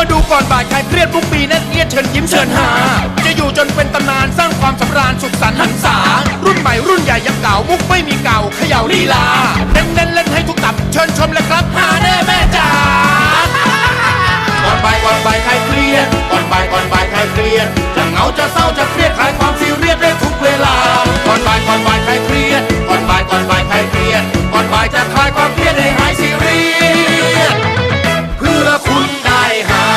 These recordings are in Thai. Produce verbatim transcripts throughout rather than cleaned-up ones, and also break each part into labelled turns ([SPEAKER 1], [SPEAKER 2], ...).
[SPEAKER 1] มาดูก่อนบ่ายใครเครียดทุกปีนั่นเอียดเชิญยิ้มเชิญหาจะอยู่จนเป็นตำนานสร้างความสำราญสุขสันต์หันษารุ่นใหม่รุ่นใหญ่ยังเก่ามุกไม่มีเก่าเขย่าลีลาเน้นเน้นเล่นให้ทุกตับเชิญชมเลยครับหาแน่แม่จ๋าก่อนบ่ายก่อนบ่ายใครเครียดก่อนบ่ายก่อนบ่ายใครเครียดจะเหงาจะเศร้าจะเครียดคลายความซีเรียสได้ทุกเวลาก่อนบ่ายก่อนบ่ายใครเครียดก่อนบ่ายก่อนบ่ายใครเครียดก่อนบ่ายจะคลายความเครียดให้หายซีเรียสเพื่อคุณได้หา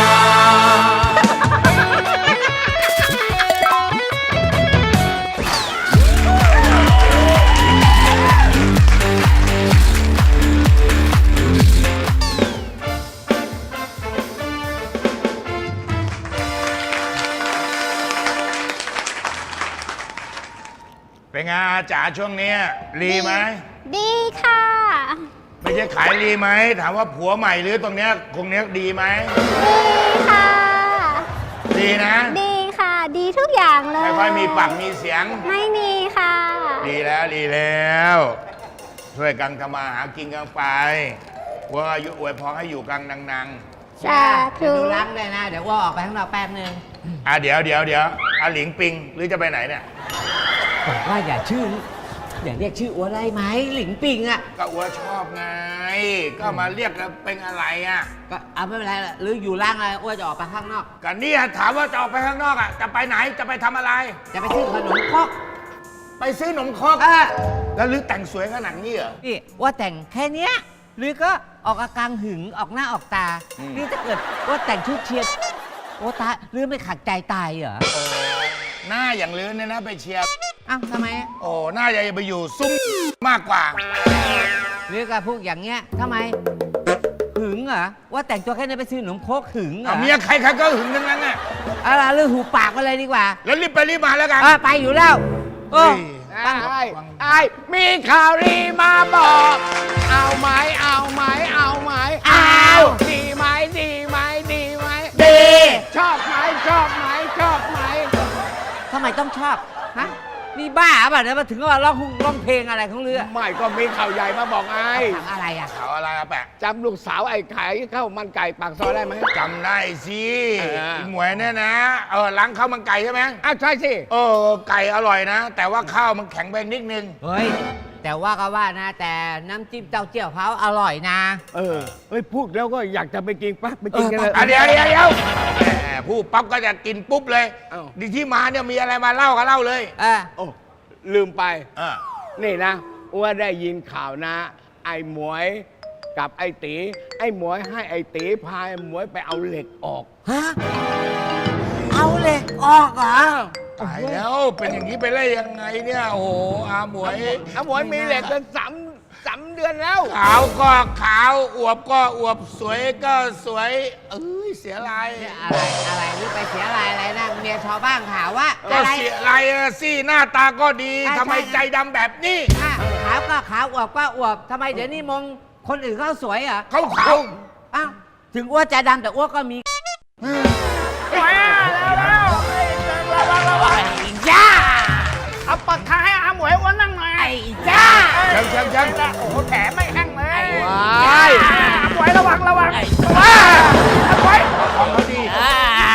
[SPEAKER 2] เป็นไงอาจ๋าช่วงนี้รีไหม
[SPEAKER 3] ดีค่ะ
[SPEAKER 2] ไม่ใช่ขายรีไหมถามว่าผัวใหม่หรือตรงเนี้ยคงเนี้ยดีไหม
[SPEAKER 3] ดีค่ะ
[SPEAKER 2] ดีนะ
[SPEAKER 3] ดีค่ะ ดีทุกอย่างเลย
[SPEAKER 2] ไม่ค่อยมีปากมีเสียง
[SPEAKER 3] ไม่มีค่ะ
[SPEAKER 2] ดีแล้วดีแล้วช่วยกันทำมาหากินกันไปว่าอายุอวยพรให้อยู่กันนัง
[SPEAKER 3] สาธุ
[SPEAKER 4] ดูล้างเลยนะ เดี๋ยวว่าออกไปข้างนอกแป๊บนึง
[SPEAKER 2] ๆอ่ะเดี๋ยวเดี๋ยวเดี๋ยวอาหลิงปิงหรือจะไปไหนเนี่ย
[SPEAKER 4] บอกว่าอย่าชื่อ อย่าเรียกชื่ออ้วนได้ไหมหลิงปิงอ่ะ
[SPEAKER 2] ก็อัวชอบไง ก็มาเรียกกันเป็นอะไรอ่ะ
[SPEAKER 4] ก็เอาไม่เป็นไรหรืออยู่ล่างอะไรอ้วนจะออกไปข้างนอก
[SPEAKER 2] ก็เนี่ยถามว่าจะออกไปข้างนอกอ่ะจะไปไหนจะไปทำอะไร
[SPEAKER 4] จะไปซื้อขนมครก
[SPEAKER 2] ไปซื้อหนมครก
[SPEAKER 4] เออ
[SPEAKER 2] แล้วลือแต่งสวยขนาดนี้เหรอ
[SPEAKER 4] นี่ว่าแต่งแค่เนี้ยหรือก็ออกอาการหึงออกหน้าออกตา
[SPEAKER 2] อืม
[SPEAKER 4] นี่ถ้าเกิดว่าแต่งชุดเชียร์โอ้ตาหรือไม่ขัดใจตายเหรอ
[SPEAKER 2] โอ้หน้าอย่างลือเนี่ยนะไปเชียร์
[SPEAKER 4] อ้าวทำไมอะ
[SPEAKER 2] โอ้หน้าใหญ่ไปอยู่ซุ้มมากกว่า
[SPEAKER 4] หรือกับพวกอย่างเงี้ยทำไมหึงเหรอว่าแต่งตัวแค่นี้ไปซื้อขนมครกหึงเหรอ
[SPEAKER 2] เอาเมียใครใครก็หึงทั้งนั้นน่ะ
[SPEAKER 4] อะไรหรือหูปากไปเลยดีกว่า
[SPEAKER 2] แล้วรีบไปรีบมาแล้วกัน
[SPEAKER 4] เออไปอยู่แล้วโอ้
[SPEAKER 2] ตั้ง
[SPEAKER 5] ไอ้ไอ้มีข่าวดีมาบอก เอาไหมเอาไหมเอาไหมเอาดีไหมดีไหมดีไหม
[SPEAKER 4] ดี
[SPEAKER 5] ชอบไหมชอบไหมชอบไหม
[SPEAKER 4] ทำไมต้องชอบฮะนี่บ้าป่ะเนี่ยมาถึงก็มาร้องร้องเพลงอะไรของเรือ
[SPEAKER 5] ไม่ก็มีข่าวใหญ่มาบอกไอ้
[SPEAKER 4] ถามอะไรอ่ะ
[SPEAKER 2] เขาอะไรอะแปะ
[SPEAKER 5] จำลูกสาวไอ้ขายข้าวมันไก่ปากซอยได้ไหม
[SPEAKER 2] จำได้สิ
[SPEAKER 5] เออ
[SPEAKER 2] ไอ้หมวยเนี่ยนะ เออล้างข้าวมันไก่ใช่ไหม
[SPEAKER 5] อ้าวใช่สิ
[SPEAKER 2] เออไก่อร่อยนะ แต่ว่าข้าวมันแข็งไปนิดนึง
[SPEAKER 4] เฮ้ยแต่ว่าก็ว่านะ แต่น้ำจิ้มเต้าเจี้ยวเขาอร่อยนะ
[SPEAKER 5] เออเฮ้ยพูดแล้วก็อยากจะไปกินปั๊บไปกินกันเลย
[SPEAKER 2] อ่ะเดี๋ยวเดี๋ยวเดี๋ยวแหมพูดปั๊บก็จะกินปุ๊บเลย
[SPEAKER 5] เอ้า
[SPEAKER 2] ดีที่มาเนี่ยมีอะไรมาเล่าก็เล่าเลย
[SPEAKER 4] เออ
[SPEAKER 5] โอ้ลืมไป
[SPEAKER 2] เออ
[SPEAKER 5] นี่นะว่าได้ยินข่าวนะ ไอ้หมวยกับไอ้ตีไอ้หมวยให้ไอ้ตีพาไอ้หมวยไปเอาเหล็กออก
[SPEAKER 4] ฮะเอาเหล็กออกเหรอ
[SPEAKER 2] ตายแล้วเป็นอย่างนี้ไปได้ยังไงเนี่ยโอ้โหอาหมวย
[SPEAKER 5] ไอ้หมวยมีเหล็กเป็นสามสามเดือนแล้ว
[SPEAKER 2] ขาวก็ขาวอวบก็อวบสวยก็สวยเอ้ยเสียลาย
[SPEAKER 4] อะไรอะไรนี่ไปเสียอะไรอะไรนะเมียชาวบ้านข่าวว่า
[SPEAKER 2] ก็
[SPEAKER 4] อะไร
[SPEAKER 2] เสียลายอะสิหน้าตาก็ดี
[SPEAKER 4] อ่ะ
[SPEAKER 2] ทำไม
[SPEAKER 4] ใช่
[SPEAKER 2] ใจดำแบบนี้
[SPEAKER 4] อ่ะขาวก็ขาวอวบก็อวบทำไมเดี๋ยวนี้มองคนอื่นเขาสวยเหรอ
[SPEAKER 2] เขาขาว
[SPEAKER 4] อ้าวถึงอ้วนใจดำแต่อ้วนก็มี
[SPEAKER 5] ย่าเอาปากกาให้อาหมวยอ้วนนั่งหน่อย
[SPEAKER 4] ไอ้จ้า
[SPEAKER 2] เชิงเชิงเชิง
[SPEAKER 5] โอ้โหแผลไม่แห้งเลย
[SPEAKER 4] ว้า
[SPEAKER 5] ว้าย
[SPEAKER 4] ย
[SPEAKER 5] อาหมวยระวังระวัง
[SPEAKER 4] ไอ้
[SPEAKER 5] ว้ายอาหมวย
[SPEAKER 2] ของเขาดี
[SPEAKER 4] อ่า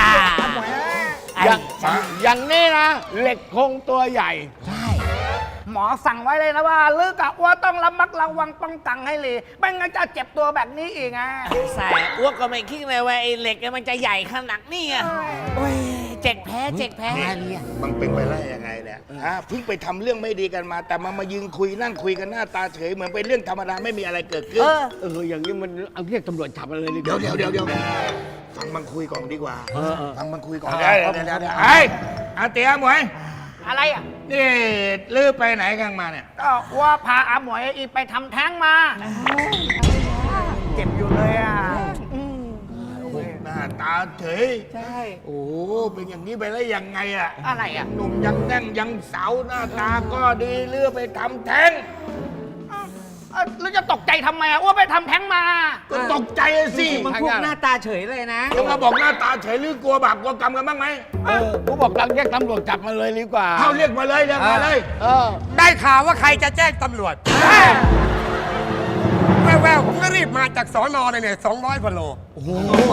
[SPEAKER 5] อย่างอย่างนี้นะ เหล็กคงตัวใหญ่
[SPEAKER 4] ใช่
[SPEAKER 5] หมอสั่งไว้เลยนะว่าลือกะว่าต้องระมัดระวังป้องกันให้เลยไม่งั้นจะเจ็บตัวแบบนี้อีกอ่ะ
[SPEAKER 6] ใส่อ้วกก็ไม่คิดเลยว่าไอ้เหล็กเนี่ยมันจะใหญ่ขนาดนี้อ่ะโอ้ยเจ็กแพ้เจ็กแพ้
[SPEAKER 2] นี่มันเป็นไปได้ยังไงเนี่ยฮะเพิ่งไปทำเรื่องไม่ดีกันมา แต่มามายืนคุยนั่งคุยกันหน้าตาเฉยเหมือนเป็นเรื่องธรรมดาไม่มีอะไรเกิดขึ้น
[SPEAKER 4] เออ
[SPEAKER 5] เอออย่างนี้มันเอาเรียกตำรวจจับมันเลยดีก
[SPEAKER 2] เดี๋ยว
[SPEAKER 5] ว่า
[SPEAKER 2] เดี๋ยวเดี๋ยวเดี๋ยวฟังมันคุยก่อนดีกว่า
[SPEAKER 5] เออเออ
[SPEAKER 2] ฟังมันคุยก่อน
[SPEAKER 5] เออ
[SPEAKER 2] เดี๋ยวเดี๋ยวเดี๋ยวเดี๋ยวไอ้อาเตียหมวย
[SPEAKER 5] อะไรอ่ะ
[SPEAKER 2] นี่ลื้อไปไหนกันมาเนี่ย
[SPEAKER 5] ก็ว่าพาอาหมวยอีไปทำแท้งมาเจ็บอยู่เลยอ่ะ
[SPEAKER 2] หน้าตาเฉย
[SPEAKER 5] ใช่
[SPEAKER 2] โอ้โหเป็นอย่างนี้ไปได้ยังไงอะ
[SPEAKER 5] อะไรอ่ะ
[SPEAKER 2] หนุ่มยังแน่นยังสาวหน้าตาก็ดีเลือกไปทำแท้ง
[SPEAKER 5] เอ้าแล้วจะตกใจทำไมอ่ะว่าไปทำแท้งมา
[SPEAKER 2] ก็ตกใจอะสิ
[SPEAKER 4] มันพวกหน้าตาเฉยเลยนะ
[SPEAKER 2] จะมาบอกหน้าตาเฉยหรือกลัวบาปกลัวกรรมกันบ้างไหม
[SPEAKER 5] เออกูบอกตังเรียกตำรวจจับมันเลยดีกว่า
[SPEAKER 2] เขาเรียกมาเลยเรียกมาเลย
[SPEAKER 5] เออ
[SPEAKER 6] ได้ข่าวว่าใครจะแจ้งตำรวจแว่วๆ
[SPEAKER 7] รีบมาจากสอนอเลยเนี่ยสองร้อยกว่าโลโอ้โห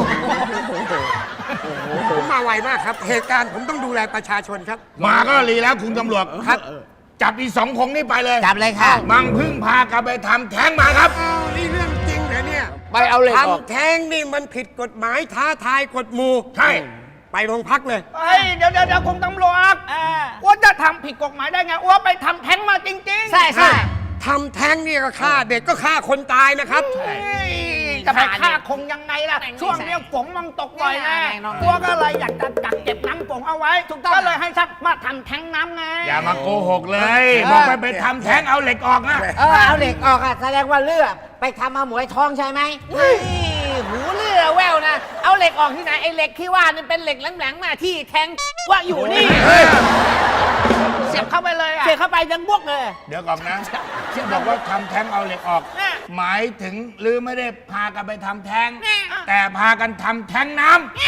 [SPEAKER 7] ผมมาไวมากครับ เหตุการณ์ผมต้องดูแลประชาชนครับ
[SPEAKER 2] มาก็รีแล้วคุณตำรวจ
[SPEAKER 7] ครับ
[SPEAKER 2] จับอีสองคงนี่ไปเลย
[SPEAKER 4] จับเลยค่ะ
[SPEAKER 2] มังพึ่งพากลับไปทำแท้งมาครับ
[SPEAKER 7] อ้าวนี่เรื่องจริงเหรอเนี่ย
[SPEAKER 5] ไปเอาเหล็กออก
[SPEAKER 7] ทำแท้งนี่มันผิดกฎหมายท้าทายกฎหมู่
[SPEAKER 2] ใช่
[SPEAKER 7] ไปโรงพักเลย
[SPEAKER 8] เฮ้ยเดี๋ยวเดี๋ยวเดี๋ยวคุณตำรวจอ้วนจะทำผิดกฎหมายได้ไงอ้วนไปทำแท้งมาจริงๆ
[SPEAKER 4] ใช่ใช่
[SPEAKER 7] ทำแท้งนี่ก็ฆ่าเด็กก็ฆ่าคนตายนะครับ
[SPEAKER 8] เฮ้ยจะไปฆ่าคงยังไงล่ะ ช่วงเนี้ยฝนมันตกบ่อยแน่อ้วนก็เลยอยากจะกักเก็บน้ำฝนเอาไว้ก็เลยให้ชักมาทำแท้งน้ำไง
[SPEAKER 2] อย่ามาโกหกเลย บอกไปไปทำแท้งเอาเหล็กออกนะ
[SPEAKER 4] เออเอาเหล็กออกอ่ะแสดงว่าเลือดไปทำมาหมวยทองใช่ไหม
[SPEAKER 6] เฮ้ยหูเลือแววนะ เอาเหล็กออกที่ไหนไอ้เหล็กที่ว่านี่เป็นเหล็กแหลมๆมาที่แทงว่าอยู่นี่
[SPEAKER 8] เสียบเข้าไปเลยอ่ะ
[SPEAKER 6] เสียบเข้าไปยังบวกเลย
[SPEAKER 2] เดี๋ยวก่อนนะที่บอกว่าทำแท้งเอาเหล็กออก
[SPEAKER 6] น่ะ
[SPEAKER 2] หมายถึงหรือไม่ได้พากันไปทำแท้ง
[SPEAKER 6] น่ะ
[SPEAKER 2] แต่พากันทำแท้งน้ำ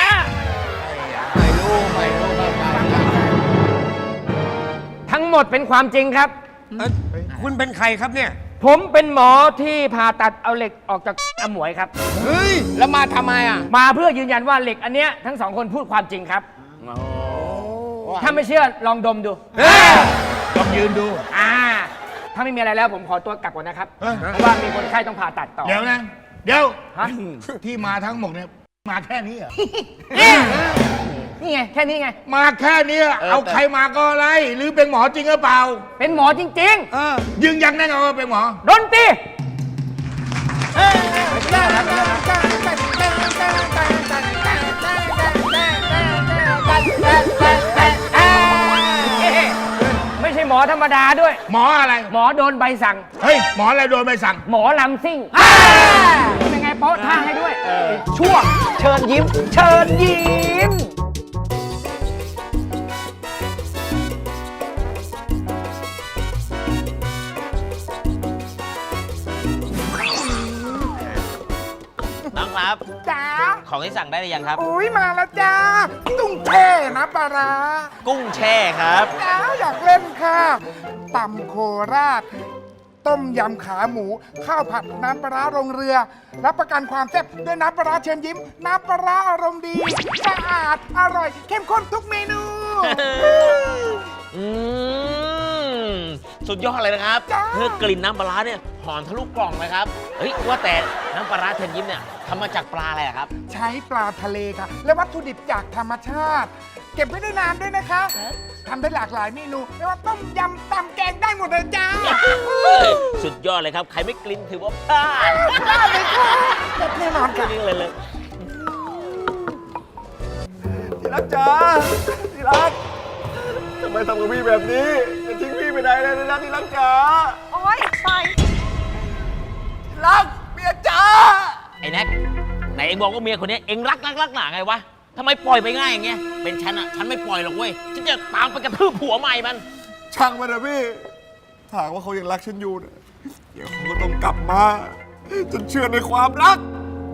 [SPEAKER 5] ทั้งหมดเป็นความจริงครับ
[SPEAKER 7] เอ้ยคุณเป็นใครครับเนี่ย
[SPEAKER 5] ผมเป็นหมอที่ผ่าตัดเอาเหล็กออกจากอาหมวยครับ
[SPEAKER 7] เฮ้ย
[SPEAKER 5] แล้วมาทำไมอ่ะ มาเพื่อยืนยันว่าเหล็กอันเนี้ยทั้งสองคนพูดความจริงครับ ถ้าไม่เชื่อลองดมดู
[SPEAKER 2] ลองยืนดู
[SPEAKER 5] อ่า ถ้าไม่มีอะไรแล้วผมขอตัวกลับก่อนนะครับ
[SPEAKER 2] เอ้ย
[SPEAKER 5] เพราะว่ามีคนไข้ต้องผ่าตัดต่อ
[SPEAKER 2] เดี๋ยวนะ เดี๋ยว
[SPEAKER 5] ฮะ
[SPEAKER 2] ที่มาทั้งหมดเนี่ยมาแค่นี้เหรอ
[SPEAKER 5] นี่ไง แค่นี้ไง
[SPEAKER 2] มาแค่นี้เอาใครมาก็อะไร หรือเป็นหมอจริงหรือเปล่า
[SPEAKER 5] เป็นหมอจริง
[SPEAKER 2] ยืนยันแน่นอนว่าเป็นหมอ
[SPEAKER 5] ๆ ดนตรีไม่ใช่หมอธรรมดาด้วย
[SPEAKER 2] หมออะไร
[SPEAKER 5] หมอโดนใบสั่ง
[SPEAKER 2] เฮ้ย หมออะไรโดนใบสั่ง
[SPEAKER 5] หมอลำซิ่งเป็นไงโป๊ะท่าให้ด้วย ช่วงเชิญยิ้ม เชิญยิ้ม
[SPEAKER 6] น้องครับ
[SPEAKER 8] จ้า
[SPEAKER 6] ของที่สั่งได้หรือยังครับ
[SPEAKER 8] อุ้ยมาแล้วจ้าตุ้งแช่นะปลาร้า
[SPEAKER 6] กุ้งแช่ครับ
[SPEAKER 8] จ้าอยากเล่นค่ะตำโคราช ต้มยำขาหมู ข้าวผัดน้ำปลาร้าโรงเรือ รับประกันความแซ่บด้วยน้ำปลาร้าเชิญยิ้ม น้ำปลาร้าอารมณ์ดีสะอาดอร่อย เข้มข้นทุกเมนู
[SPEAKER 6] อืมสุดยอดเลยนะครับ
[SPEAKER 8] จ้า
[SPEAKER 6] เพื่อกลิ่นน้ำปลาร้าเนี่ยหอมทะลุกล่องเลยครับ เฮ้ย ว่าแต่น้ำปลาร้าเชิญยิ้มเนี่ยทำมาจากปลาอะไรอะครับ
[SPEAKER 8] ใช้ปลาทะเลค่ะ และวัตถุดิบจากธรรมชาติ เก็บไว้ได้นานด้วยนะคะทำได้หลากหลายเมนูไม่ว่าต้มยำตำแกงได้หมดเลยจ้า
[SPEAKER 6] สุดยอดเลยครับ ใครไม่กลิ่นถือว่าพลาด
[SPEAKER 8] ได้เลยค่ะเด็ดแน่นอนค่ะ
[SPEAKER 6] นี่เลยเลย
[SPEAKER 7] ที่รักจ๋าที่รักทำไมทำกับพี่แบบนี้จะทิ้งพี่ไปไหนเลยนะที่รักจ๋า
[SPEAKER 3] โอ๊ยปล่อย
[SPEAKER 7] ที่รักเมียจ๋า
[SPEAKER 6] ไอ้แน็กไหนเองบอกว่าเมียคนนี้เองรักรักรักหนาไงวะทำไมปล่อยไปง่ายอย่างเงี้ย เป็นฉันอะฉันไม่ปล่อยหรอกเว้ย ฉันจะตามไปกระทืบผัวใหม่มัน
[SPEAKER 7] ช่างมันนะพี่ถ้าหากว่าเขายังรักฉันอยู่เนี่ยเดี๋ยวเขาก็ต้องกลับมาจนเชื่อในความรัก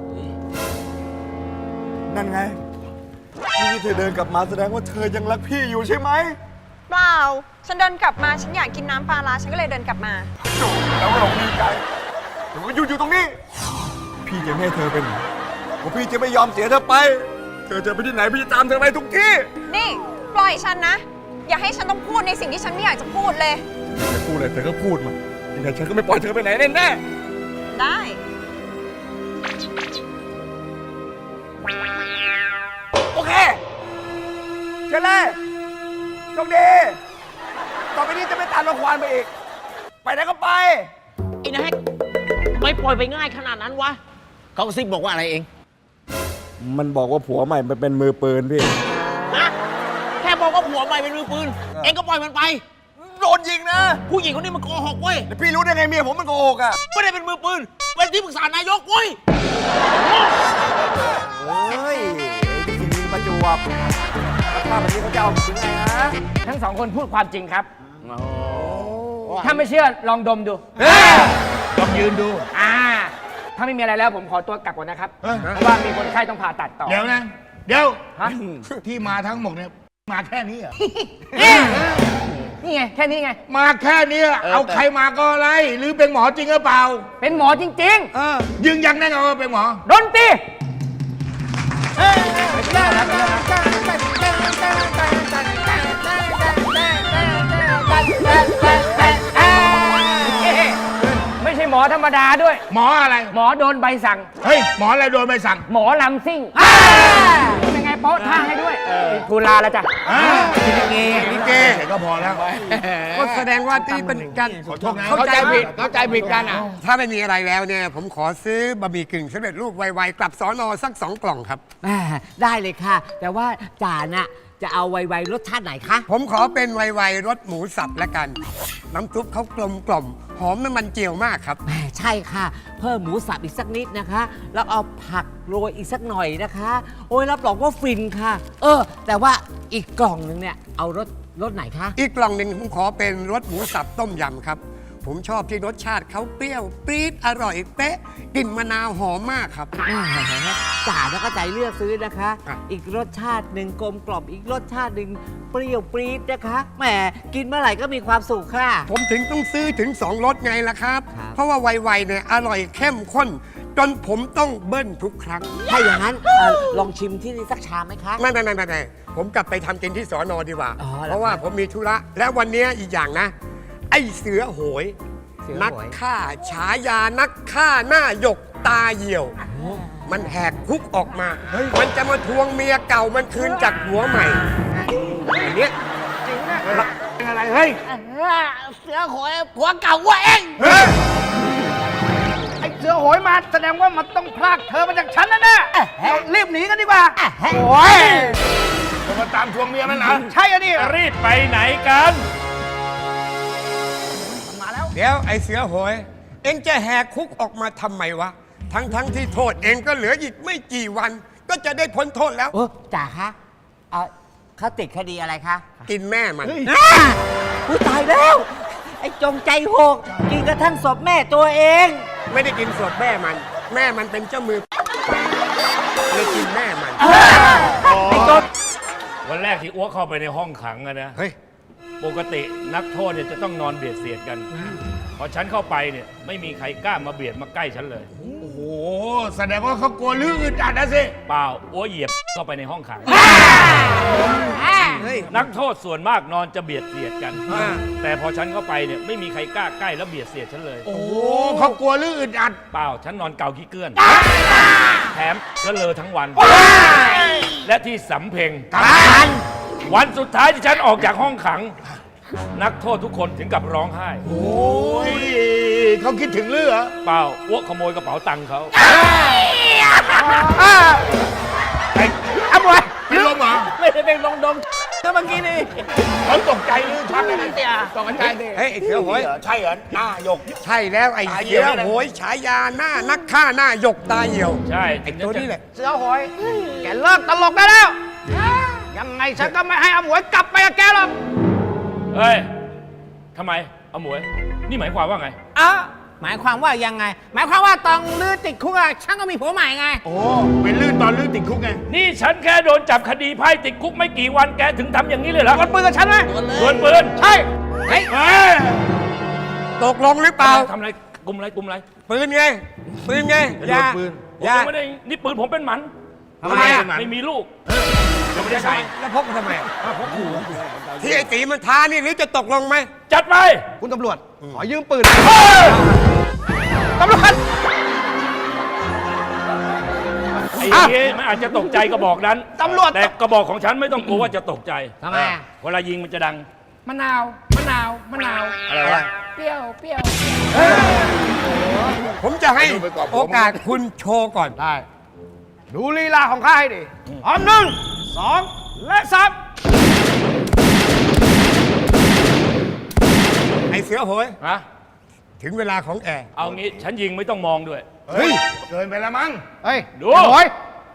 [SPEAKER 7] นั่นไงนี่ที่เธอเดินกลับมาแสดงว่าเธอยังรักพี่อยู่ใช่ไหม
[SPEAKER 3] เปล่า ฉันเดินกลับมา ฉันอยากกินน้ำปลาร้าฉันก็เลยเดินกลับมา
[SPEAKER 7] แล้วเราดีใจแต่ว่าอยู่อยู่ตรงนี้ พี่จะไม่ให้เธอเป็นเพราะพี่จะไม่ยอมเสียเธอไป เธอจะไปที่ไหนพี่จะตามเธอไปทุกที่
[SPEAKER 3] นี่ ปล่อยฉันนะ อย่าให้ฉันต้องพูดในสิ่งที่ฉันไม่อยากจะพูดเลย
[SPEAKER 7] จะพูดอะไรเธอก็พูดมายังไงฉันก็ไม่ปล่อยเธอไปไหนแน่แน่
[SPEAKER 3] ได้
[SPEAKER 7] โอเคเชิญเลยโชคดีต่อไปนี้จะไม่ตามรางควานไปอีก ไปไหนก็ไป
[SPEAKER 6] ไอ้แน็กทำไมปล่อยไปง่ายขนาดนั้นวะ เขากระซิบบอกว่าอะไรเอง
[SPEAKER 7] มันบอกว่าผัวใหม่มันเป็นมือปืนพี่
[SPEAKER 6] ฮะ แค่บอกว่าผัวใหม่เป็นมือปืน เองก็ปล่อยมันไป
[SPEAKER 7] โดนยิงนะ
[SPEAKER 6] ผู้หญิงคนนี้มันโกหกเว้ย
[SPEAKER 7] แต่พี่รู้ได้ไงเมียผมมันโกหกอ่ะ
[SPEAKER 6] ไม่ได้เป็นมือปืน เป็นที่ปรึกษานายกเว้ย
[SPEAKER 7] เฮ้ยไอ้สิ่งนี้ประจวบแล้วถ้าแบบนี้เขาจะเอาถึงไงฮะ
[SPEAKER 5] ทั้งสองคนพูดความจริงครับ ถ้าไม่เชื่อลองดมดู
[SPEAKER 2] ลองยืนดู
[SPEAKER 5] อ่า ถ้าไม่มีอะไรแล้วผมขอตัวกลับก่อนนะครับ
[SPEAKER 2] เอ้ย
[SPEAKER 5] เพราะว่ามีคนไข้ต้องผ่าตัดต่อ
[SPEAKER 2] เดี๋ยวนะ เดี๋ยว
[SPEAKER 5] ฮะ
[SPEAKER 2] ที่มาทั้งหมดเนี่ยมาแค่นี้เหรอ
[SPEAKER 5] นนี่ไง แค่นี้ไง
[SPEAKER 2] มาแค่นี้เอาใครมาก็อะไร หรือเป็นหมอจริงหรือเปล่า
[SPEAKER 5] เป็นหมอจริง
[SPEAKER 2] ยืนยันแน่นอนว่าเป็นหมอ
[SPEAKER 5] ๆ ดนตรี ไม่ใช่หมอธรรมดาด้วย
[SPEAKER 2] หมออะไร
[SPEAKER 5] หมอโดนใบสั่ง
[SPEAKER 2] เฮ้ย หมออะไรโดนใบสั่ง
[SPEAKER 5] หมอลำซิ่งเป็นไงโป๊ะท่าให้ด้วยทูลาแล้วจ้ะ
[SPEAKER 2] อ่า
[SPEAKER 4] ลิเก
[SPEAKER 2] ลิเกก็พอแล้ว
[SPEAKER 9] ก็แสดงว่าที่เป็นการ
[SPEAKER 2] ขอโทษนะ
[SPEAKER 5] เข้าใจผิด เข้าใจผิดกันอ่ะ
[SPEAKER 9] ถ้าไม่มีอะไรแล้วเนี่ย ผมขอซื้อบะหมี่กึ่งสำเร็จรูปไวๆกลับสอนอสักสองกล่องครับ
[SPEAKER 4] แหม่ได้เลยค่ะ แต่ว่าจ่าน่ะจะเอาไวๆรสชาติไหนคะ
[SPEAKER 9] ผมขอเป็นไวๆรสหมูสับละกัน น้ำซุปเขากลมกล่อมหอมน้ำมันเจียวมากครับ
[SPEAKER 4] แหมใช่ค่ะ เพิ่มหมูสับอีกสักนิดนะคะ แล้วเอาผักโรยอีกสักหน่อยนะคะ โอ้ยรับรองว่าฟินค่ะ เออ แต่ว่าอีกกล่องหนึงเนี่ยเอารสรสไหนคะ
[SPEAKER 9] อีกกล่องหนึ่งผมขอเป็นรสหมูสับต้มยำครับ ผมชอบที่รสชาติเขาเปรี้ยวปรี๊ดอร่อยเป๊ะกลิ่นมะนาวหอมมากครับ
[SPEAKER 4] แหมจ่าแล้วก็ใจเลือกซื้อนะคะ
[SPEAKER 9] ครับ
[SPEAKER 4] อีกรสชาติหนึ่งกลมกล่อมอีกรสชาติหนึ่งเปรี้ยวปรี๊ดนะคะแหมกินเมื่อไหร่ก็มีความสุขค่ะ
[SPEAKER 9] ผมถึงต้องซื้อถึงสองรสไงล่ะครับ
[SPEAKER 4] ครับ
[SPEAKER 9] เพราะว่าไวๆเนี่ยอร่อยเข้มข้น จนผมต้องเบิ้ลทุกครั้ง
[SPEAKER 4] ถ้าอย่างนั้นเอ่อลองชิมที่นี่สักชามไหมคะ
[SPEAKER 9] ไม่ไม่ไม่ไม่ไม่ผมกลับไปทำกินที่สอนอดีกว่า
[SPEAKER 4] อ๋อแล้ว
[SPEAKER 9] เพราะว่าผมมีธุระ และวันนี้อีกอย่างนะ ไอ้เสือโหย
[SPEAKER 4] เสือโหย
[SPEAKER 9] นักฆ่าฉายานักฆ่าหน้าหยกตาเหี่ยว มันแหกคุกออกมา มันจะมาทวงเมียเก่ามันคืนจากหัวใหม่อันเนี้ย
[SPEAKER 2] เป็นอะไร เฮ้ย
[SPEAKER 5] เสือโหยผัวเก่าว่าเอง
[SPEAKER 2] เฮ้ย
[SPEAKER 5] ไอ้เสือโหยมาแสดงว่ามันต้องพลากเธอมาจากฉันแน่ๆเรารีบหนีกันดีกว่า โอ้ย
[SPEAKER 2] จะมาตามทวงเมียมันเหรอ
[SPEAKER 5] ใช่อะดิ
[SPEAKER 1] รีบไปไหนกัน
[SPEAKER 9] เดี๋ยวไอ้เสือโหย เอ็งจะแหกคุกออกมาทำไมวะ ทั้งทั้งที่โทษเองก็เหลืออีกไม่กี่วัน ก็จะได้พ้นโทษแล้ว
[SPEAKER 4] โอ้จ่าคะเอ่อเขาติดคดีอะไรคะ
[SPEAKER 9] กินแม่มัน
[SPEAKER 4] อ่าอุ้ยตายแล้ว ไอ้จงใจโหกกินกระทั่งศพแม่ตัวเอง
[SPEAKER 9] ไม่ได้กินศพแม่มัน แม่มันเป็นเจ้ามือเลยกินแม่มัน
[SPEAKER 10] วันแรกที่อ้วกเข้าไปในห้องขังอะนะ
[SPEAKER 9] เฮ้ย
[SPEAKER 10] ปกตินักโทษเนี่ยจะต้องนอนเบียดเสียดกัน พอฉันเข้าไปเนี่ยไม่มีใครกล้ามาเบียดมาใกล้ฉันเลย
[SPEAKER 2] โอ้โห แสดงว่าเขากลัวลืออึดอัดนะสิ
[SPEAKER 10] เปล่าอ้วเหยียบเข้าไปในห้องขัง
[SPEAKER 9] เฮ้ย
[SPEAKER 10] นักโทษส่วนมากนอนจะเบียดเสียดกัน
[SPEAKER 9] อ่า
[SPEAKER 10] แต่พอฉันเข้าไปเนี่ยไม่มีใครกล้าใกล้แล้วเบียดเสียดฉันเลย
[SPEAKER 2] โอ้โหเขากลัวลืออึดอัด
[SPEAKER 10] เปล่าฉันนอนเกาขี้เกื้อน แถมก็เลอะทั้งวัน และที่สำเพ็งวันสุดท้ายที่ฉันออกจากห้องขัง นักโทษทุกคนถึงกับร้องไห้
[SPEAKER 2] โอ้ยเขาคิดถึงลือเหรอ
[SPEAKER 10] เปล่าอ้วกขโมยกระเป๋าตังค์เขา
[SPEAKER 2] อ้าวเป็นลมเหรอ
[SPEAKER 5] ไม่ได้เป็นลงดมก็เมื่อกี้นี่
[SPEAKER 2] เขาตกใจลือชักเลยนะ
[SPEAKER 5] เตี่ยตกใจดิ
[SPEAKER 9] เฮ้ยไอ้เสือโหย
[SPEAKER 2] ใช่เหรอหน้าหยก
[SPEAKER 9] ใช่แล้วไอ้
[SPEAKER 2] ตาเหี่
[SPEAKER 9] เสื
[SPEAKER 2] ยว
[SPEAKER 9] อโหยฉายาหน้านักฆ่าหน้าหยกตาเหี่ยว
[SPEAKER 10] ใช่
[SPEAKER 9] ไอ้ตัวนี้แหละ
[SPEAKER 5] เสือโหย แกเลิกตลกได้แล้ว ยังไงฉันก็ไม่ให้อาหมวยกลับไปกับแกหรอก
[SPEAKER 10] เฮ้ยทำไมเอาหมวย นี่หมายความว่าไง
[SPEAKER 5] อ้าหมายความว่ายังไง หมายความว่าตองลือติดคุกอะฉันก็มีผัวใหม่ไง
[SPEAKER 2] โอ้ เป็นลื่นตอนลื่นติดคุกไง
[SPEAKER 10] นี่ฉันแค่โดนจับคดีไพ่ติดคุกไม่กี่วันแกถึงทำอย่างนี้เลยเหรอ
[SPEAKER 5] ดวลปืนกับฉันไหม
[SPEAKER 10] ดวลปืน
[SPEAKER 5] ใช่ เฮ้ย
[SPEAKER 2] เฮ้ย
[SPEAKER 9] ตกลงหรือเปล่า
[SPEAKER 10] ทำอะไรกลุ่มอะไรกลุ่มอะไร
[SPEAKER 9] ปืนไง ปืนไง
[SPEAKER 2] อย่าปืน
[SPEAKER 10] ผม
[SPEAKER 9] อย่า
[SPEAKER 10] ยังไม่ได้นี่ปืนผมเป็นหมัน
[SPEAKER 9] ทำไมอะ
[SPEAKER 10] ไม่มีลูกยังไม่ได้ใส่
[SPEAKER 9] แล้วพกมาทำไมอะที่ไอ้ตีมันท้านี่หรือจะตกลงไหม
[SPEAKER 10] จัดไป
[SPEAKER 5] คุณตำรวจ ขอยืมปืน ตำรวจ
[SPEAKER 10] ไอ้เหี้ยมันอาจจะตกใจกระบอกนั้น
[SPEAKER 5] ตำรวจ
[SPEAKER 10] แต่กระบอกของฉันไม่ต้องกลัวว่าจะตกใจ
[SPEAKER 4] ทำไมอะ
[SPEAKER 10] เวลายิงมันจะดัง
[SPEAKER 5] มะนาว มะนาว มะนาว
[SPEAKER 10] อะไรวะ
[SPEAKER 5] เปรี้ยว เปรี้ยว
[SPEAKER 9] ผมจะให้
[SPEAKER 2] ดูไปก่อนผม
[SPEAKER 9] โอกาสคุณโชว์ก่อน
[SPEAKER 5] ได้ ดูลีลาของข้าให้ดิพร้อมหนึ่ง สอง และสาม
[SPEAKER 9] ไอ้เสือโหย
[SPEAKER 10] ฮะ
[SPEAKER 9] ถึงเวลาของแอร์
[SPEAKER 10] เอางี้ฉันยิงไม่ต้องมองด้วย
[SPEAKER 2] เฮ้ย เกินไปแล้วมั้ง
[SPEAKER 5] เฮ้ย
[SPEAKER 10] ดู
[SPEAKER 5] โอ้ย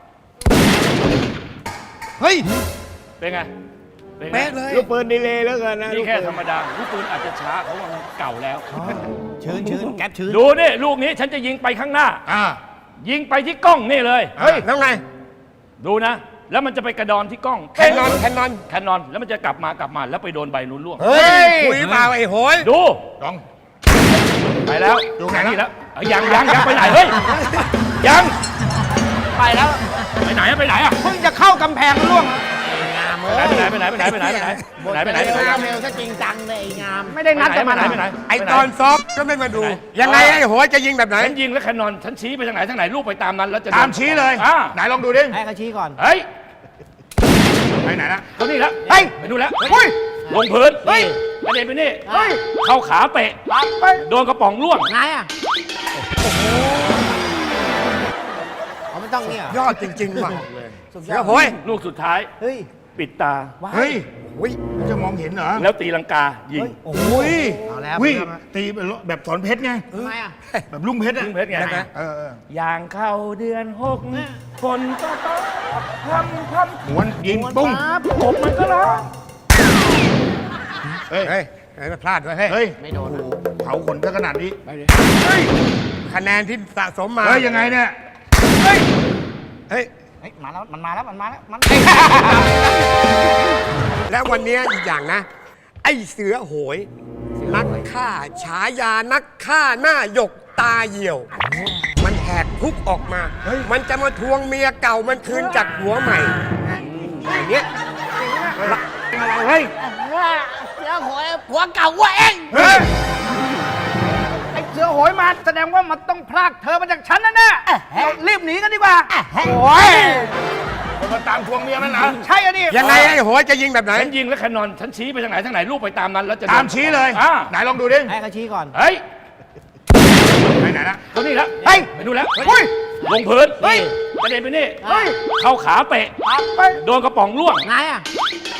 [SPEAKER 5] เฮ้ย
[SPEAKER 10] เป็นไง เป็นไง
[SPEAKER 9] เป๊ะเลย
[SPEAKER 2] ลูกปืนดีเลยแล้วกันนะ
[SPEAKER 10] นี่แค่ธรรมดาลูกปืนอาจจะช้าเพราะว่ามันเก่าแล้ว
[SPEAKER 5] ชื้นชื้นแก๊ปชื้น
[SPEAKER 10] ดูนี่ลูกนี้ฉันจะยิงไปข้างหน้า
[SPEAKER 2] อ่า
[SPEAKER 10] ยิงไปที่กล้องนี่เลย
[SPEAKER 9] เฮ้ย แล้วไง
[SPEAKER 10] ดูนะแล้วมันจะไปกระดอนที่กล้อง
[SPEAKER 9] แคนนอนแคนนอน
[SPEAKER 10] แคนนอนแล้วมันจะกลับมากลับมาแล้วไปโดนใบนู้นล่วง
[SPEAKER 9] เฮ้ยคุยเปล่าไอ้โหย
[SPEAKER 10] ดู
[SPEAKER 2] ลอง
[SPEAKER 10] ไปแล้ว
[SPEAKER 2] ดูไหนแล้ว
[SPEAKER 10] นี่แล้วเอ้ยยังยังยังไปไหนเฮ้ยยัง
[SPEAKER 5] ไปแล้ว
[SPEAKER 10] ไปไหนอะไปไหนอะ
[SPEAKER 5] เพิ่งจะเข้ากำแพงล่วง
[SPEAKER 10] ไปไหนไปไหนไปไหนไปไหนไปไหนไปไหนไปไหนไปไหนไปไหน
[SPEAKER 5] เร็วซะจริงจังเลยไอ้งาม ไม่ได้นัดจะมา
[SPEAKER 10] ไปไหนไปไหน
[SPEAKER 9] ไอ้ตอนซ้อมก็ไม่มาดู ยังไงไอ้โหยจะยิงแบบไหน
[SPEAKER 10] ฉันยิงแล้วแคนนอนฉันชี้ไปทางไหนทางไหนลูกไปตามนั้นแล้วจะ
[SPEAKER 2] ตามชี้เลย
[SPEAKER 10] อ่า
[SPEAKER 2] ไหนลองดูดิ
[SPEAKER 5] ให้เขาชี้ก่อน
[SPEAKER 10] เฮ้ย
[SPEAKER 2] ไปไหนนะ
[SPEAKER 10] ตัวนี้แล้ว
[SPEAKER 5] เฮ้ย
[SPEAKER 10] ไปดูแล้ว
[SPEAKER 5] เฮ้ย
[SPEAKER 10] ลงพื้น
[SPEAKER 5] เฮ้ย
[SPEAKER 10] กระเด็นไปนี่
[SPEAKER 5] เฮ้ย
[SPEAKER 10] เข้าขาเตะ
[SPEAKER 5] ปั๊บไป
[SPEAKER 10] โดนกระป๋องล่วง
[SPEAKER 5] ไงอ่ะเขาไม่ต้องเนี่ย
[SPEAKER 9] ยอดจริงๆว่ะ
[SPEAKER 5] สุดย
[SPEAKER 9] เสือ
[SPEAKER 5] อด
[SPEAKER 9] โหย
[SPEAKER 10] ลูกสุดท้าย
[SPEAKER 5] เฮ้ย
[SPEAKER 10] ปิดตา
[SPEAKER 2] เฮ้ย
[SPEAKER 9] อุ้ย
[SPEAKER 2] จะมองเห็นเหรอ
[SPEAKER 10] แล้วตีลังกายิง
[SPEAKER 5] โอ้
[SPEAKER 2] อุ้ย
[SPEAKER 5] เอาแล้ว
[SPEAKER 2] วิ
[SPEAKER 5] เอาแล้ว
[SPEAKER 2] ตีแบบสอนเพชรไง
[SPEAKER 5] ทำไมอ่ะ
[SPEAKER 2] แบบลุงเพชรอะ
[SPEAKER 10] ลุงเพชรไง
[SPEAKER 2] เออเออ
[SPEAKER 10] อย่างเข้าเดือนหกฝนก็ตกพรำพรำ
[SPEAKER 2] หวนยิงปุ้ง
[SPEAKER 10] กบมันก็ร้อง
[SPEAKER 2] เฮ้ย
[SPEAKER 9] เฮ้ยเฮ้ยพลาดด้วยเฮ้ย
[SPEAKER 2] เฮ้ย
[SPEAKER 5] ไม่โดนอะ
[SPEAKER 2] เผาขนซะขนาดนี้
[SPEAKER 9] คะแนนที่สะสมมา
[SPEAKER 2] เฮ้ยยังไงเนี่ย
[SPEAKER 9] เฮ้ย
[SPEAKER 5] เฮ้ย มาแล้ว มันมาแล้ว มันมาแล้ว มัน
[SPEAKER 9] และวันนี้อีกอย่างนะ ไอ้เสือโหย นักฆ่าฉายานักฆ่าหน้าหยกตาเหี่ยว มันแหกคุกออกมา มันจะมาทวงเมียเก่ามันคืนจากหัวใหม่อย่างเงี้ย
[SPEAKER 2] เฮ้ย
[SPEAKER 5] เสือโหยผัวเก่าว่าเอง
[SPEAKER 2] เฮ้ย
[SPEAKER 5] ไอ้เสือโหยมาแสดงว่ามันต้องพรากเธอมาจากฉันแน่ๆเรารีบหนีกันดีกว่า โอ้ย
[SPEAKER 2] มันมาตามทวงเมียมันนะ
[SPEAKER 5] ใช่อะดิ
[SPEAKER 9] ยังไงไอ้โหยจะยิงแบบไหน
[SPEAKER 10] ฉันยิงแล้วแคนนอนฉันชี้ไปทางไหนทางไหนลูกไปตามนั้นแล้วจะ
[SPEAKER 2] ตามชี้เลย
[SPEAKER 10] อ่า
[SPEAKER 2] ไหนลองดูดิ
[SPEAKER 5] ให้เขาชี้ก่อน
[SPEAKER 10] เฮ้ย
[SPEAKER 2] ไปไหนนะ
[SPEAKER 10] ตัวนี้แล้ว
[SPEAKER 5] เฮ้ย
[SPEAKER 10] ไปดูแล้ว
[SPEAKER 5] เฮ้ย
[SPEAKER 10] ลงพื้น
[SPEAKER 5] เฮ้ย
[SPEAKER 10] กระเด็นไปนี่
[SPEAKER 5] เฮ้ย
[SPEAKER 10] เข้าขาเตะ
[SPEAKER 5] ปั๊บไป
[SPEAKER 10] โดนกระป๋องล่วง
[SPEAKER 5] ไงอ่ะ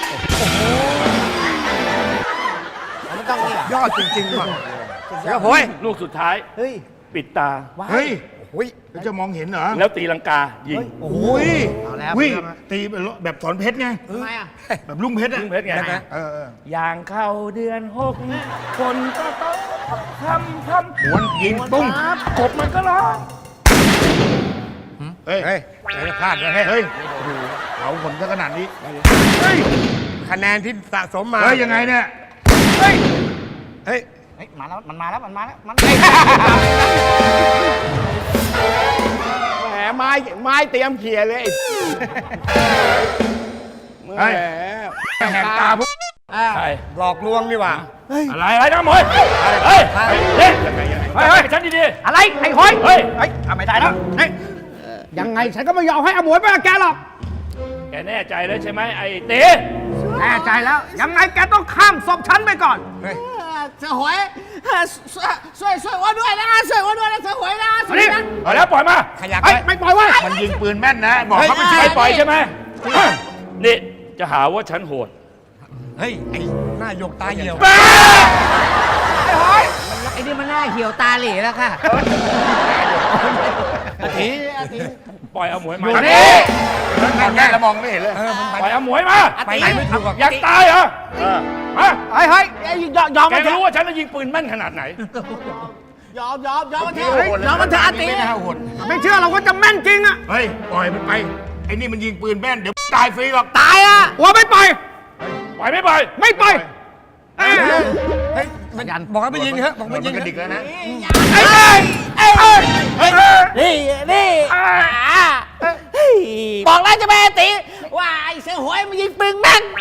[SPEAKER 5] เขาไม่ต้องเนี่ย
[SPEAKER 9] ยอดจริงๆว่ะเสือโหย
[SPEAKER 10] ลูกสุดท้าย
[SPEAKER 5] เฮ้ย
[SPEAKER 10] ปิดตา
[SPEAKER 2] เฮ้ย
[SPEAKER 9] อุ้ย
[SPEAKER 2] แล้วจะมองเห็นเหรอ
[SPEAKER 10] แล้วตีลังกายิง
[SPEAKER 2] โอ้ย
[SPEAKER 5] เอาแล้ว
[SPEAKER 2] วิ
[SPEAKER 5] เอาแล้ว
[SPEAKER 2] ตีแบบสอนเพชรไง
[SPEAKER 5] ทำไมอ่ะ
[SPEAKER 2] แบบลุงเพชรอะ
[SPEAKER 10] ลุงเพชรไง
[SPEAKER 2] เออเออ
[SPEAKER 10] อย่างเข้าเดือนหกฝนก็ตกพรำพรำ
[SPEAKER 2] หวนยิงปุ้ง
[SPEAKER 10] กบมันก็ร้อง
[SPEAKER 2] เฮ้ย
[SPEAKER 9] เฮ้ยเฮ้ยพลาดด้วยเฮ้ย
[SPEAKER 2] เฮ้ยเผาขนซะขนาดนี้
[SPEAKER 9] เฮ้ยคะแนนที่สะสมมา
[SPEAKER 2] เฮ้ยยังไงเนี่ย
[SPEAKER 9] เฮ้ยเฮ้ย
[SPEAKER 5] เฮ้ย มาแล้ว มันมาแล้ว มันมาแล้ว มัน
[SPEAKER 8] แหมไม้ไม้เตรียมเขี่ยเลย
[SPEAKER 2] เฮ้ยแหกตาพวก
[SPEAKER 10] ใช่
[SPEAKER 9] หลอกลวงนี่หว่า
[SPEAKER 10] อะไรอะไรนะหมวยเฮ้ยเฮ้ยเฮ้ยเฮ้ยฉันดี
[SPEAKER 5] อะไร ไอ้หอย
[SPEAKER 10] ๆเฮ้ย
[SPEAKER 5] เฮ้ยทำไม่ได้แล้วเฮ้ยยังไงฉันก็ไม่ยอมให้อมวยไปกับแกหรอก
[SPEAKER 10] แกแน่ใจแล้วใช่ไหมไอ้เต๋
[SPEAKER 5] แน่ใจแล้ว ยังไงแกต้องข้ามศพฉันไปก่อน
[SPEAKER 11] เสือหวยช่วยช่วยว่าด้วยนะช่วยว่าด้วยนะเสือหวยนะ
[SPEAKER 10] มาดิเอาแล้วปล่อยมา
[SPEAKER 9] ขยัก
[SPEAKER 5] เฮ้ย ไม่ปล่อยไว้
[SPEAKER 2] มันยิงปืนแม่นนะ บอกเขาไม่
[SPEAKER 10] ไม่
[SPEAKER 2] ใช่
[SPEAKER 10] ปล่อยใช่ไหมนี่จะหาว่าฉันโหด
[SPEAKER 9] เฮ้ย ไอ้หน้าหยกตาเหี่ยว
[SPEAKER 4] ไอ้นี่มันหน้าเหี่ยวตาเหล่แล้วค่ะ
[SPEAKER 11] อาทิอาทิ
[SPEAKER 10] ปล่อยเอาหมวยมา
[SPEAKER 2] อันนี้มองแม่แล้วมองไม่เห็นเลย
[SPEAKER 10] ปล่อยเอาหมวยมา
[SPEAKER 9] ไปไหนไม่ถูกหรอก
[SPEAKER 10] อยากตายเหรอมา
[SPEAKER 5] เฮ้ยเฮ้ยยอมยอม
[SPEAKER 10] แก
[SPEAKER 5] มันเถ
[SPEAKER 10] ก็รู้
[SPEAKER 5] อะ
[SPEAKER 10] ว่าฉันจะยิงปืนแม่นขนาดไหน
[SPEAKER 11] ยอมยอมยอมมันเถอะยอมมันเถอะอาทิ
[SPEAKER 2] ไม่น่าหด
[SPEAKER 5] ไม่เชื่อเราก็จะแม่นจริงอะ
[SPEAKER 2] เฮ้ย ปล่อยมันไป ไอ้นี่มันยิงปืนแม่น เดี๋ยวตายฟรีหรอก
[SPEAKER 5] ตายอะว่าไม่ปล่อย
[SPEAKER 10] ปล่อยไม่ปล่อย
[SPEAKER 5] ไม่ปล่อยเอ้ย
[SPEAKER 9] เฮ้ยมันบอกให้ไปยิงเถอะบอก
[SPEAKER 2] มั
[SPEAKER 9] ไป
[SPEAKER 2] น
[SPEAKER 9] ยิง
[SPEAKER 2] กระ
[SPEAKER 9] เถ
[SPEAKER 2] ดิก
[SPEAKER 9] อะ
[SPEAKER 2] แล้วนะ
[SPEAKER 5] ไอ้ไอ้ไอ้ไอ้
[SPEAKER 11] นี่นี่บอกแล้วจะไปอาทิว่าไอ้เสือหวยมันยิงปืนแม่น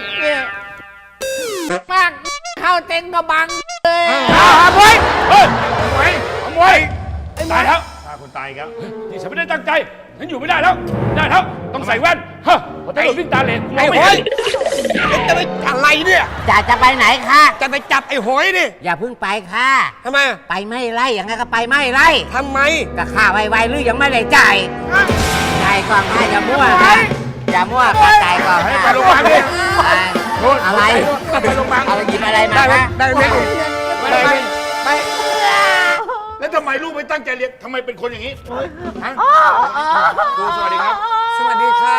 [SPEAKER 11] มากเข้าเต็นกระบังเลย
[SPEAKER 10] เอาหมวยเฮ้ยเอาหมวยเอาหมวยตายแล้ว
[SPEAKER 2] ฆ่าคนตายครับ
[SPEAKER 10] ที่ฉันไม่ได้ตั้งใจฉันอยู่ไม่ได้แล้วไม่ได้แล้วต้องใส่แว่นฮะพอตำรวจวิ่งตาเหล่มองไม่เห็น
[SPEAKER 9] จะไปอะไรเนี่ย
[SPEAKER 4] จะจะไปไหนคะ
[SPEAKER 9] จะไปจับไอ้โหยนี่
[SPEAKER 4] อย่าเพิ่งไปค่ะ
[SPEAKER 9] ทำไม
[SPEAKER 4] ไปไม่ไล่อย่างไงก็ไปไม่ไล่
[SPEAKER 9] ทำไม
[SPEAKER 4] ก็ค่าไวๆหรือยังไม่ได้จ่ายจ่ายก่อนค่ะอย่ามั่วค่ะอย่ามั่วค่ะจ่ายก่อนค่ะ
[SPEAKER 2] ไปโรงพยาบาลดิ
[SPEAKER 4] ไปอะไร
[SPEAKER 2] ไปโรงพยาบาล
[SPEAKER 4] อะไรหยิบอะไรมา
[SPEAKER 9] ได้ไหม
[SPEAKER 4] คะ
[SPEAKER 9] ได้ไหม
[SPEAKER 2] ไปไปไปแล้วทำไมลูกไม่ตั้งใจเรียนทำไมเป็นคนอย่างนี้ฮะครูสวัสดีครับ
[SPEAKER 9] สวัสดีค่ะ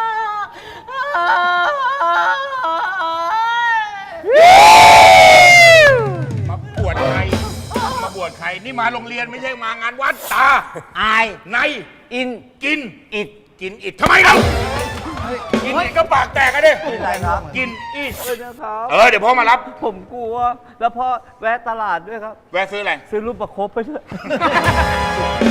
[SPEAKER 2] มาบวชใคร มาบวชใคร นี่มาโรงเรียนไม่ใช่มางานวัดตา
[SPEAKER 4] อาย
[SPEAKER 2] ใน
[SPEAKER 4] อิน
[SPEAKER 2] กิน
[SPEAKER 4] อิด
[SPEAKER 2] กินอิดทำไมเรากินอีกก็ปากแตกกันดิกินอีกเออเดี๋ยวพ่อมารับ
[SPEAKER 12] ผมกลัว แล้วพ่อแวะตลาดด้วยครับ
[SPEAKER 2] แวะซื้ออะไร
[SPEAKER 12] ซื้อรูปประคบไปด้วย